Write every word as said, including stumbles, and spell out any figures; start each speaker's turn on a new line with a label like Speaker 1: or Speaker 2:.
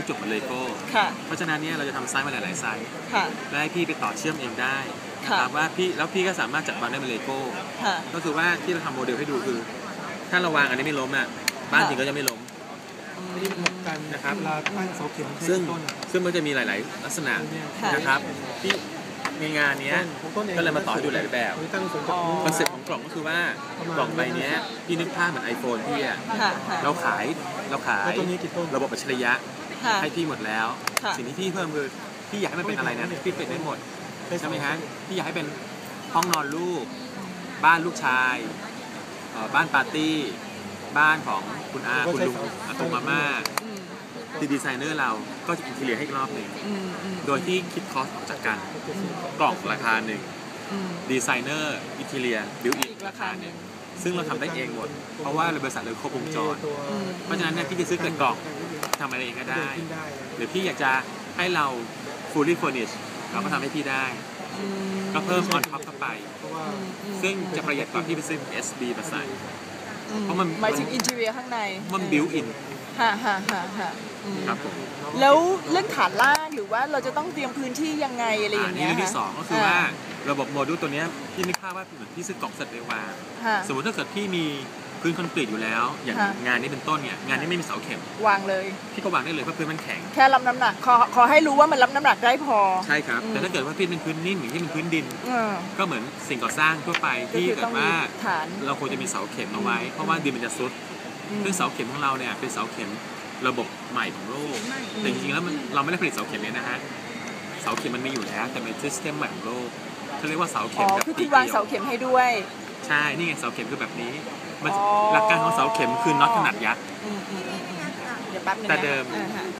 Speaker 1: จบเหมือนเลโก้เพราะฉะนั้นเนี่ยเราจะทำไซส์มาหลายๆไซส์และให้พี่ไปต่อเชื่อมเองได้นะครับว่าพี่แล้วพี่ก็สามารถจัดวางได้เป็นเลโก้ก็คือว่าที่เราทำโมเดลให้ดูคือถ้าเราวางอันนี้ไม่ล้มอ่ะบ้านจริงก็จะไม่ล้ม
Speaker 2: นี่เป็นการนะครับเราตั้งเสาเข็ม
Speaker 1: ซึ่งซึ่งมันจะมีหลายๆลักษณะนะครับที่ในงานนี้ก็เลยมาต่อให้ดูหลายแบบคอนเซ็ปต์ของกล่องก็คือว่ากล่องใบนี้พี่นึกภาพเหมือน iPhone พี่อ่ะเราขายเราขายระบบอัจฉริยะให้พี่หมดแล้วสิ่งที่พี่เพิ่มคือพี่อยากให้มันเป็นอะไรนะพี่เป็นได้หมดใช่ไหมฮะพี่อยากให้เป็นห้องนอนลูกบ้านลูกชายบ้านปาร์ตี้บ้านของคุณอาคุณลุงอาตงมาม่าที่ดีไซเนอร์เราก็จะอินทีเรียให้อีกรอบหนึ่งโดยที่คิดคอสออกจากกันกล่องราคาหนึ่งดีไซเนอร์อินทีเรียบิวอินราคาหนึ่งซึ่งเราทำได้เองหมดเพราะว่าบริษัทเราครบวงจรเพราะฉะนั้นเนี่ยพี่จะซื้อเกิดกล่องทำอะไรเองก็ได้หรือพี่อยากจะให้เรา fully furnished เราก็ทำให้พี่ได้ก็เพิ่ม on top เข้าไปซึ่งจะประหยัดกว่าที่ไปซื้อ เอส บี มาใส่เพราะมัน
Speaker 3: หมายถึงอินทีเรียข้างใน
Speaker 1: มันบิวอิน
Speaker 3: ฮ่าฮ่าฮ่าฮ่า
Speaker 1: ครับผม
Speaker 3: แล้วเรื่องฐานล่างหรือว่าเราจะต้องเตรียมพื้นที่ยังไงอะไรอย่างเงี้ย
Speaker 1: นี่เรื่องที่สองก็คือว่าระบบโมดูลตัวนี้พี่นึกภาพว่าเหมือนพี่ซื้อกล่องเสร็จไปวางสมมติถ้าเกิดพี่มีพื้นคอนกรีตอยู่แล้วอย่างงานนี้เป็นต้นเนี่ยงานนี้ไม่มีเสาเข็ม
Speaker 3: วางเลย
Speaker 1: พี่ก็วางได้เลยเพราะพื้นมันแข็ง
Speaker 3: แค่รับน้ำหนักขอขอให้รู้ว่ามันรับน้ำหนักได้พอ
Speaker 1: ใช่ครับแต่ถ้าเกิดว่าพี่เป็นพื้นนิ่มอย่างที่เป็นพื้นดินก็เหมือนสิ่งก่อสร้างทั่วไปที่เกิดว่าเราควรจะมีเสาเข็มเอาไว้เพราะว่าดินมันจะซุดซึ่งเสาเข็มของเราเนี่ยเป็นเสาเข็มระบบใหม่ของโลกแต่จริงๆแล้วมันเราไม่ได้ผลิตเสาเข็มเนี่ยนะฮะเสาเข็มมันมีอยู่แล้วแต่เป็นซิสเต็มใหม่ของโลกเขาเรียกว่าเสาเข็มแบบ
Speaker 3: คือคุณวางเสาเข็มให้ด้วย
Speaker 1: ใช่นี่ไงเสาเข็มคือแบบนี้หลักการของเสาเข็มคือน็อตขนาดยักษ์
Speaker 3: เดี๋ยวแป๊บนึง
Speaker 1: แต่เดิม